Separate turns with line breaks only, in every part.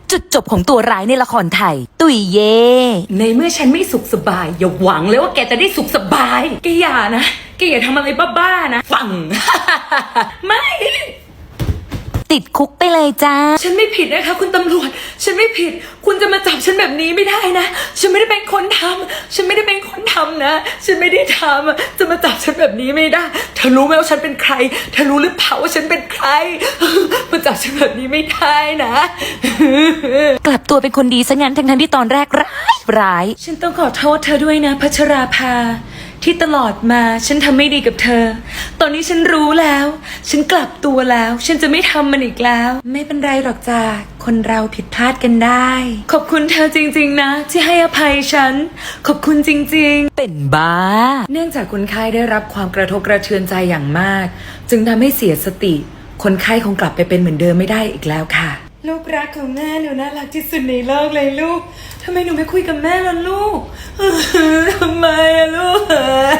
จุดจบของตัวร้ายในละครไทย ตุยเย่
ในเมื่อฉันไม่สุขสบายอย่าหวังเลยว่าแกจะได้สุขสบายแกอย่านะแกอย่าทำอะไรบ้าๆนะฟัง ไม่
ติดคุกไปเลยจ้า
ฉันไม่ผิดนะคะคุณตำรวจฉันไม่ผิดคุณจะมาจับฉันแบบนี้ไม่ได้นะฉันไม่ได้เป็นคนทำฉันไม่ได้เป็นคนทำนะฉันไม่ได้ทำจะมาจับฉันแบบนี้ไม่ได้เธอรู้ไหมว่าฉันเป็นใครเธอรู้หรือเปล่าว่าฉันเป็นใคร มาจับฉันแบบนี้ไม่ได้นะ
กลับตัวเป็นคนดีซะงั้นทั้งที่ตอนแรกร้าย
ฉันต้องขอโทษเธอด้วยนะพัชราภาที่ตลอดมาฉันทำไม่ดีกับเธอตอนนี้ฉันรู้แล้วฉันกลับตัวแล้วฉันจะไม่ทำมันอีกแล้วไม่เป็นไรหรอกจ้าคนเราผิดพลาดกันได้ขอบคุณเธอจริงๆนะที่ให้อภัยฉันขอบคุณจริงๆ
เป็นบ้า
เนื่องจากคนไข้ได้รับความกระทบกระเทือนใจอย่างมากจึงทำให้เสียสติคนไข้คงกลับไปเป็นเหมือนเดิมไม่ได้อีกแล้วค่ะลูกรักของแม่หนูน่ารักที่สุดในโลกเลยลูกทำไมหนูไม่คุยกับแม่ล่ะลูก ทำไมอะลูก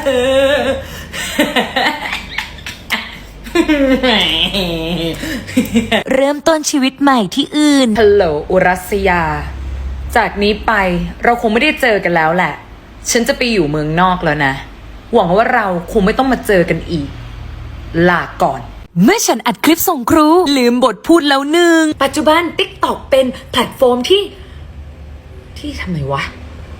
เริ่มต้นชีวิตใหม่ที่อื่น
ฮัลโหลอุรัสยาจากนี้ไปเราคงไม่ได้เจอกันแล้วแหละฉันจะไปอยู่เมืองนอกแล้วนะหวังว่าเราคงไม่ต้องมาเจอกันอีกลาก่อน
เมื่อฉันอัดคลิปส่งครูลืมบทพูดแล้วหนึ่ง
ปัจจุบัน TikTok เป็นแพลตฟอร์มที่ทำไมวะ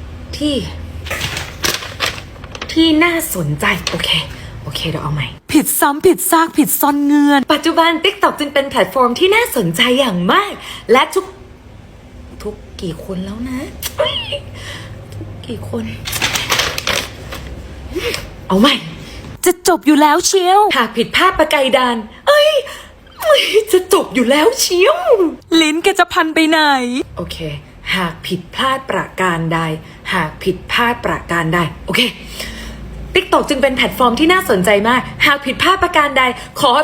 ที่น่าสนใจโอเคเดี๋ยวเอาใหม่
ผิดซ้ำผิดซากผิดซ่อนเงื่อน
ปัจจุบัน TikTok จึงเป็นแพลตฟอร์มที่น่าสนใจอย่างมากและทุกกี่คนแล้วนะกี่คนเอาใหม่
จะจบอยู่แล้วเชียว
หากผิดพลาดประการใดจะจบอยู่แล้วเชียว
ลิ้นแกจะพันไปไหน
โอเคหากผิดพลาดประการใดโอเค TikTok จึงเป็นแพลตฟอร์มที่น่าสนใจมากหากผิดพลาดประการใดขอ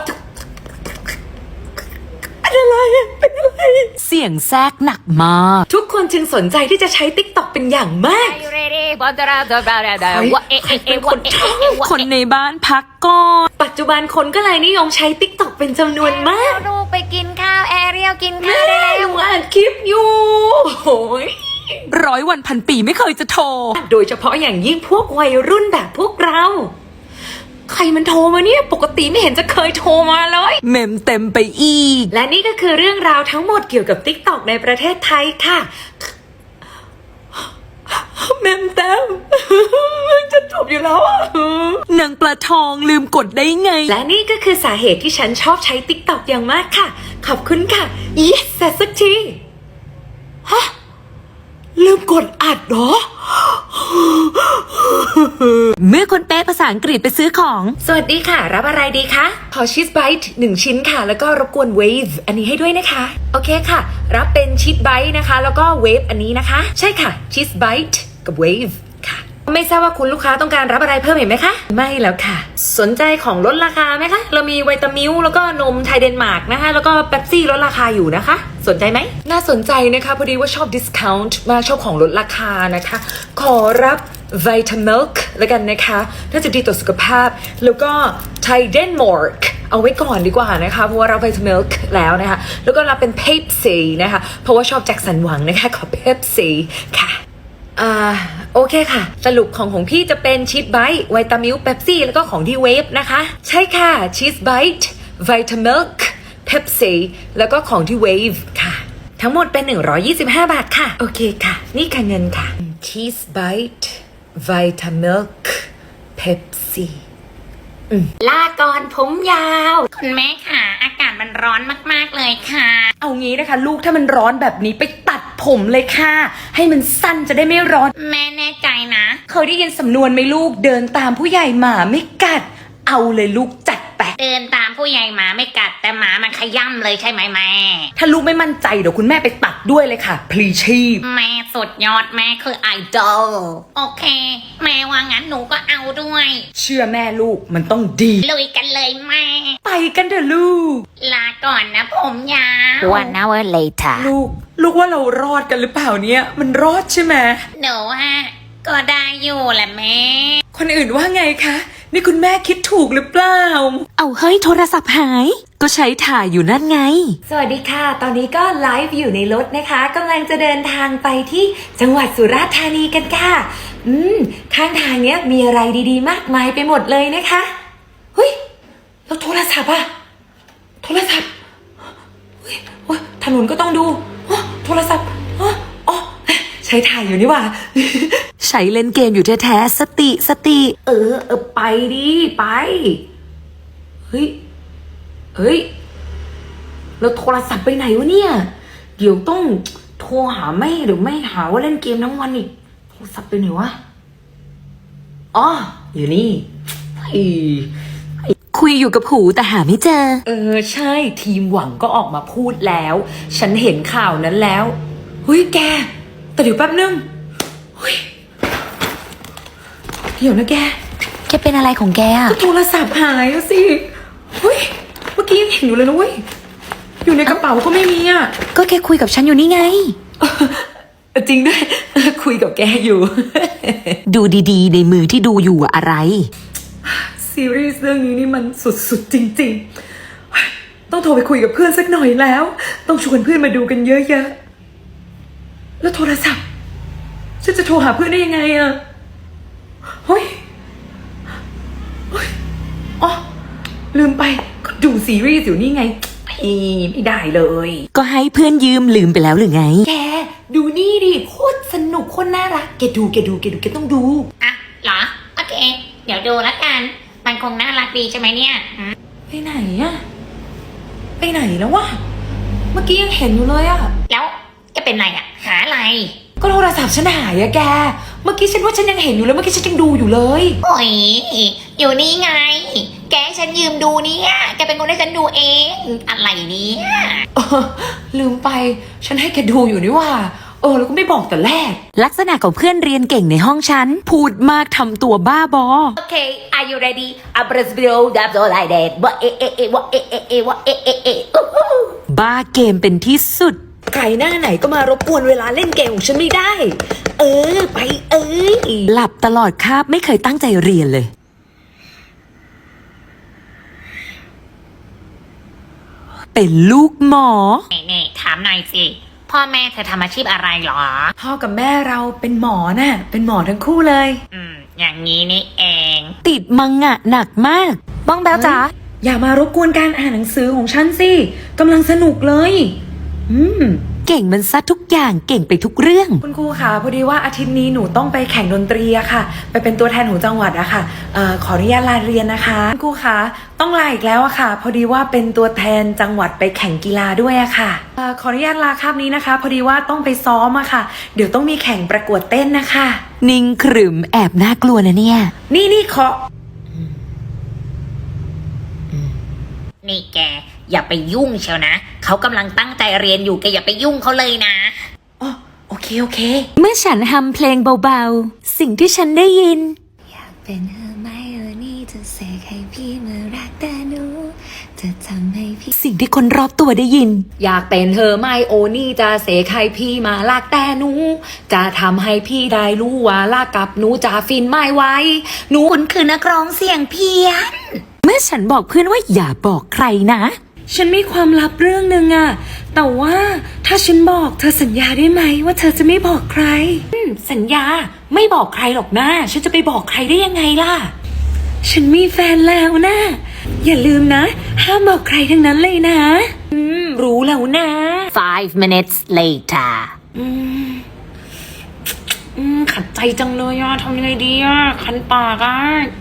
เป็นอะไร
เสียงแทรกหนักมาก
ทุกคนจึงสนใจที่จะใช้ TikTok เป็นอย่างมาก
คนในบ้านพักก่อน
ปัจจุบันคนก็เลยนิยมใช้ TikTok เป็นจำนวนมาก
ลูกไปกินข้าวแอเรียลกินข้าว
ได้แล้วอ่านคลิปอยู่โอ้ย
100 วันพันปีไม่เคยจะโทร
โดยเฉพาะอย่างยิ่งพวกวัยรุ่นแบบพวกเราใครมันโทรมาเนี่ยปกติไม่เห็นจะเคยโทรมาเลย
เมมเต็มไปอีก
และนี่ก็คือเรื่องราวทั้งหมดเกี่ยวกับ TikTok ในประเทศไทยค่ะเมมเต็มจะจบอยู่แล้วอ่ะ
นางปลาทองลืมกดได้ไง
และนี่ก็คือสาเหตุที่ฉันชอบใช้ TikTok อย่างมากค่ะขอบคุณค่ะ yes สักทีฮะลืมกดอัดเหรอ
เมื่อคนแปลภาษาอังกฤษไปซื้อของ
สวัสดีค่ะรับอะไรดีคะขอชีสไบต์1ชิ้นค่ะแล้วก็รบกวนเวฟอันนี้ให้ด้วยนะคะโอเคค่ะรับเป็นชีสไบต์นะคะแล้วก็เวฟอันนี้นะคะใช่ค่ะชีสไบต์กับเวฟค่ะไม่ทราบว่าคุณลูกค้าต้องการรับอะไรเพิ่มอีกไหมคะไม่แล้วค่ะสนใจของลดราคาไหมคะเรามีไวตามิลแล้วก็นมไทยเดนมาร์กนะคะแล้วก็เป๊ปซี่ลดราคาอยู่นะคะสนใจไหมน่าสนใจนะคะพอดีว่าชอบดิสคาวน์มาชอบของลดราคานะคะขอรับวิตามิลค์แล้วกันนะคะน่าจะดีต่อสุขภาพแล้วก็ไทยเดนมาร์กเอาไว้ก่อนดีกว่านะคะเพราะว่าเราวิตามิลค์แล้วนะคะแล้วก็รับเป็นเพปซี่นะคะเพราะว่าชอบแจ็คสันหวังนะคะขอเพปซี่ค่ะโอเคค่ะสรุปของพี่จะเป็นชีสไบต์วิตามิลเป๊ปซี่แล้วก็ของที่เวฟนะคะใช่ค่ะชีสไบต์วิตามิลเป๊ปซี่แล้วก็ของที่เวฟค่ะทั้งหมดเป็น125 บาทค่ะโอเคค่ะนี่ค่ะเงินค่ะชีสไบต์วิตามิลเป๊ปซี่
ลาก่อนผมยาวคุณแม่ค่ะอากาศมันร้อนมากๆเลยค่ะ
เอางี้นะคะลูกถ้ามันร้อนแบบนี้ไปตัดผมเลยค่ะให้มันสั้นจะได้ไม่ร้อน
แม่แน่ใจนะ
เคยได้ยินสำนวนไหมลูกเดินตามผู้ใหญ่หมาไม่กัดเอาเลยลูกจัดไป
เดินตามผู้ใหญ่หมาไม่กัดแต่หมามันขย่ำเลยใช่ไหมแม่
ถ้าลูกไม่มั่นใจเดี๋ยวคุณแม่ไปตัดด้วยเลยค่ะพลีชีพ
แม่สุดยอดแม่คือไอดอลโอเคแม่ว่างั้นหนูก็เอาด้วย
เชื่อแม่ลูกมันต้องดี
ลุยกันเลยแม่
ไปกันเถอะลูก
ลาก่อนนะผมยาว
1 hour later
ลูกว่าเรารอดกันหรือเปล่าเนี่ยมันรอดใช่ไหม
หนูก็ได้อยู่แหละแม่
คนอื่นว่าไงคะนี่คุณแม่คิดถูกหรือเปล่า
เอาเฮ้ยโทรศัพท์หายก็ใช้ถ่ายอยู่นั่นไง
สวัสดีค่ะ ตอนนี้ก็ไลฟ์อยู่ในรถนะคะกำลังจะเดินทางไปที่จังหวัดสุราษฎร์ธานีกันค่ะข้างทางเนี้ยมีอะไรดีๆมากมายไปหมดเลยนะคะเฮ้ยแล้วโทรศัพท์อะโทรศัพท์เฮ้ยโอ๊ยถนนก็ต้องดูอ๋อโทรศัพท์อ๋อใช้ถ่ายอยู่นี่หว่า
ใช้เล่นเกมอยู่แท้ๆสติ
ไปดิไปเฮ้ยแล้วโทรศัพท์ไปไหนวะเนี่ยเดี๋ยวต้องโทรหาแม่เดี๋ยวแม่หาว่าเล่นเกมทั้งวันอีกโทรศัพท์ไปไหนวะอ๋ออยู่นี่
คุยอยู่กับหูแต่หาไม่เจอ
ใช่ทีมหวังก็ออกมาพูดแล้ว ฉันเห็นข่าวนั้นแล้วเฮ้ยแกแต่เดี๋ยวแป๊บนึงเฮ้ยเดี๋ยวนะแก
แกเป็นอะไรของแกอะ
ก็โทรศัพท์หายแล้วสิเฮ้ยเมื่อกี้ยังเห็นอยู่เลยนะเว้ยอยู่ในกระเป๋าก็ไม่มีอ่ะ
ก็แกคุยกับฉันอยู่นี่ไง
จริงด้วย คุยกับแกอยู่
ดูดีๆ ในมือที่ดูอยู่อะอะไร
ซีรีส์เรื่องนี้นี่มันสุดๆจริงๆต้องโทรไปคุยกับเพื่อนสักหน่อยแล้ว ต้องชวนเพื่อนมาดูกันเยอะๆแล้วโทรศัพท์ฉันจะโทรหาเพื่อนได้ยังไงอะเฮ้ยอ๋อลืมไปก็ดูซีรีส์อยู่นี่ไงไม่ได้เลย
ก็ให้เพื่อนยืมลืมไปแล้วหรือไง
แกดูนี่ดิโคตรสนุกโคตรน่ารักแกต้องดู
อ่ะเหรอ โอเค เดี๋ยวดูแล้วกัน มันคงน่ารักดีใช่ไหมเนี่ย
ไปไหนอะไปไหนแล้ววะเมื่อกี้ยังเห็นอยู่เลยอะ
แล้วจะเป็นไรอะหาอะไร
ก็โทรศัพท์ฉันหายอะแกเมื่อกี้ฉันว่าฉันยังเห็นอยู่เลยเมื่อกี้ฉันยังดูอยู่เลย
โอ้ยอยู่นี่ไง แกให้ฉันยืมดูเนี่ยแกเป็นคนให้ฉันดูเอง อะไรเนี่ย
ลืมไปฉันให้แกดูอยู่นี่ว่าแล้วก็ไม่บอกแต่แรก
ลักษณะของเพื่อนเรียนเก่งในห้องฉัน พูดมากทำตัวบ้าบอ
Okay are you ready a b r a s b i o that's all I did ว่าว่า
บ้าเกมเป็นที่สุด
ไก่หน้าไหนก็มารบกวนเวลาเล่นเกมของฉันไม่ได้ ไป
หลับตลอดคาบไม่เคยตั้งใจเรียนเลย เป็นลูกหมอ
นี่ถามหน่อยสิ พ่อแม่เธอทำอาชีพอะไรหรอ
พ่อกับแม่เราเป็นหมอน่ะเป็นหมอทั้งคู่เลย
อย่างนี้นี่เอง
ติดมังงะหนักมาก บ้องแบวจ๋า
อย่ามารบกวนการอ่านหนังสือของฉันสิกำลังสนุกเลย
เก่งมันซะทุกอย่างเก่งไปทุกเรื่อง
คุณครูคะพอดีว่าอาทิตย์นี้หนูต้องไปแข่งดนตรีอะค่ะ ไปเป็นตัวแทนของจังหวัดอะค่ะขออนุญาตลาเรียนนะคะคุณครูคะต้องลาอีกแล้วอะค่ะ พอดีว่าเป็นตัวแทนจังหวัดไปแข่งกีฬาด้วยอะค่ะขออนุญาตลาคาบนี้นะคะ พอดีว่าต้องไปซ้อมอะค่ะ เดี๋ยวต้องมีแข่งประกวดเต้นนะคะ
นิ่งขรึมแอบน่ากลัวนะเนี่ย
นี่ขอ
นี่แกอย่าไปยุ่งเชียวนะเขากำลังตั้งใจเรียนอยู่แกอย่าไปยุ่งเขาเลยนะ
โอเค
เมื่อฉันฮัมเพลงเบาๆสิ่งที่ฉันได้ยิน
อยากเป็นเธอไหมนี่จะเสกให้พี่มารักแต่หนูจะทำให้พี่
สิ่งที่คนรอบตัวได้ยิน
อยากเป็นเธอไม่โอนี่จะเสกให้พี่มาลากแต่หนูจะทำให้พี่ได้รู้ว่าลากกับหนูจะฟินไม่ไหวหนู
คุณคือนักร้องเสียงเพี้ยน
เมื่อฉันบอกเพื่อนว่าอย่าบอกใครนะ
ฉันมีความลับเรื่องหนึ่งอะแต่ว่าถ้าฉันบอกเธอสัญญาได้ไหมว่าเธอจะไม่บอกใครสัญญาไม่บอกใครหรอกนะฉันจะไปบอกใครได้ยังไงล่ะฉันมีแฟนแล้วนะอย่าลืมนะห้ามบอกใครทั้งนั้นเลยนะรู้แล้วนะ
5 minutes later
ขัดใจจังเลยอะทำยังไงดีอะคันปากอะ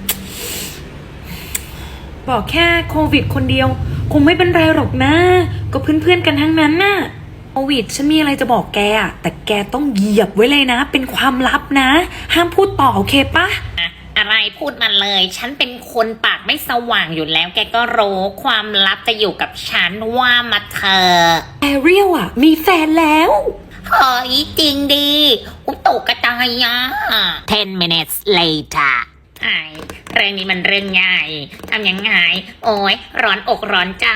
บอกแค่โควิดคนเดียวคงไม่เป็นไรหรอกนะก็เพื่อนๆกันทั้งนั้นน่ะโควิดฉันมีอะไรจะบอกแกอะแต่แกต้องเหยียบไว้เลยนะเป็นความลับนะห้ามพูดต่อโอเคปะ
อะไรพูดมาเลย ฉันเป็นคนปากไม่สว่างอยู่แล้วแกก็รู้ความลับจะอยู่กับฉันว่ามาเธอ
แอเรียลอะมีแฟนแล้ว
เฮ้ยจริงดิตกกระจายอ่ะ 10 minutes later เรื่องนี้มันเรื่องใหญ่ทำยังไงโอ้ยร้อนอกร้อนใจ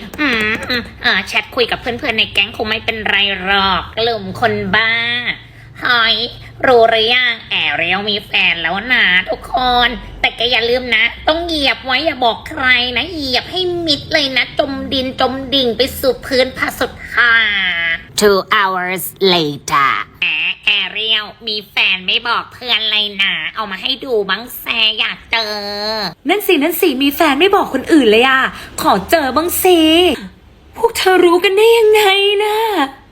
แชทคุยกับเพื่อนๆในแก๊งคงไม่เป็นไรหรอกกลุ่มคนบ้าเฮ้ยรู้หรือยังแอเรียลมีแฟนแล้วนะทุกคน แต่ก็อย่าลืมนะ ต้องเหยียบไว้อย่าบอกใครนะเหยียบให้มิดเลยนะ จมดินจมดิ่งไปสู่พื้นผาสุดท้า
2 hours later
แอเรียลมีแฟนไม่บอกเพื่อนเลยนะ เอามาให้ดูบ้างแซอยากเจอ
นั่นสิมีแฟนไม่บอกคนอื่นเลยอ่ะขอเจอบ้างสิพวกเธอรู้กันได้ยังไงนะ